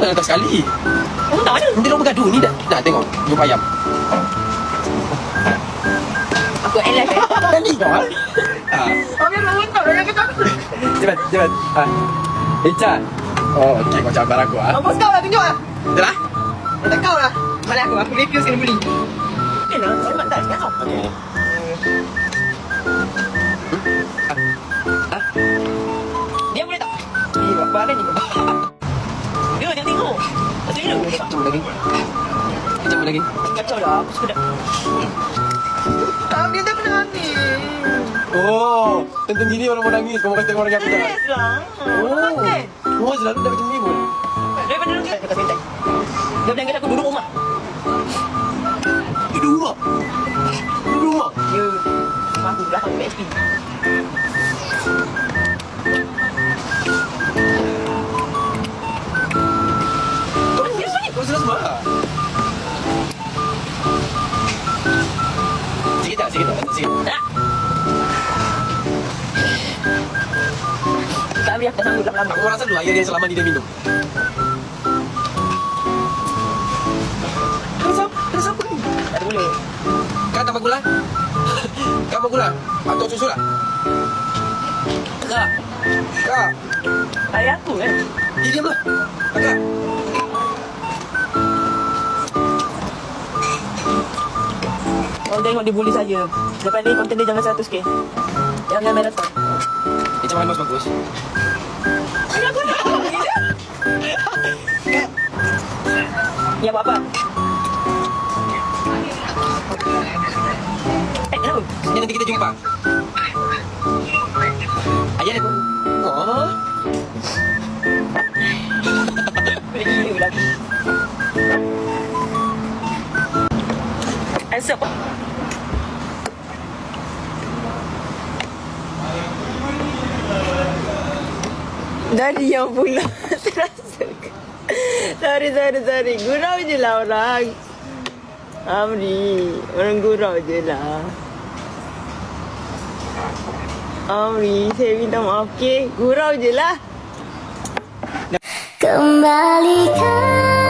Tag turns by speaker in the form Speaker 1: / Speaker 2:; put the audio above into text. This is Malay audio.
Speaker 1: dah datang sekali.
Speaker 2: Oh, tak ada.
Speaker 1: Nanti orang bergaduh ni dah. Nak tengok jumpa ayam.
Speaker 2: Aku LF
Speaker 1: Tadi kau ah.
Speaker 2: Habis nak untuk dah kata.
Speaker 1: Cepat. Icat. Oh, okey kau cabar aku ah.
Speaker 2: Bos kau lah tunjuk lah.
Speaker 1: Dah.
Speaker 2: Tak kau lah. Mana aku review sekali beli. Kenal, selamat tak kau.
Speaker 1: Okey.
Speaker 2: Dia boleh tak? Apa ada ni? Dia tengok. Macam mana?
Speaker 1: Macam lagi.
Speaker 2: Kacau dah. Aku suka dah. Dia tak pernah ni.
Speaker 1: Oh, tentang gini orang mau nangis. Kau mau kasih tengok orang aku tak?
Speaker 2: Yes lah.
Speaker 1: Oh, selalu dah macam ni pun.
Speaker 2: Daripada dulu kita sentai. Dia bilang kata aku duduk rumah.
Speaker 1: Duduk rumah.
Speaker 2: Ya. Aku belakang PSP.
Speaker 1: Kau sudah semua. Sikit tak?
Speaker 2: Tak boleh aku tak sanggup lama-lama.
Speaker 1: Aku rasa dulu air yang selama ni dia minum. Rasa apa ni?
Speaker 2: Tak boleh.
Speaker 1: Kak tambah gula? Kak tambah gula? Atau susu lah? Kak.
Speaker 2: Ayah aku kan?
Speaker 1: Diamlah. Kak.
Speaker 2: Orang tengok dia bully saya. Lepas ni konten dia jangan 100k. Jangan marathon.
Speaker 1: Macam mana bagus?
Speaker 2: Aku nak. Ya buat apa? Kenapa?
Speaker 1: Nanti kita jumpa. Ayah dia pun. Oh.
Speaker 2: Gila lagi. Answer apa? Dari yang pula terasa. Sorry. Gurau je lah orang. Amri, orang gurau je lah. Amri, saya minta maaf, okay? Gurau je lah.
Speaker 3: Kembalikan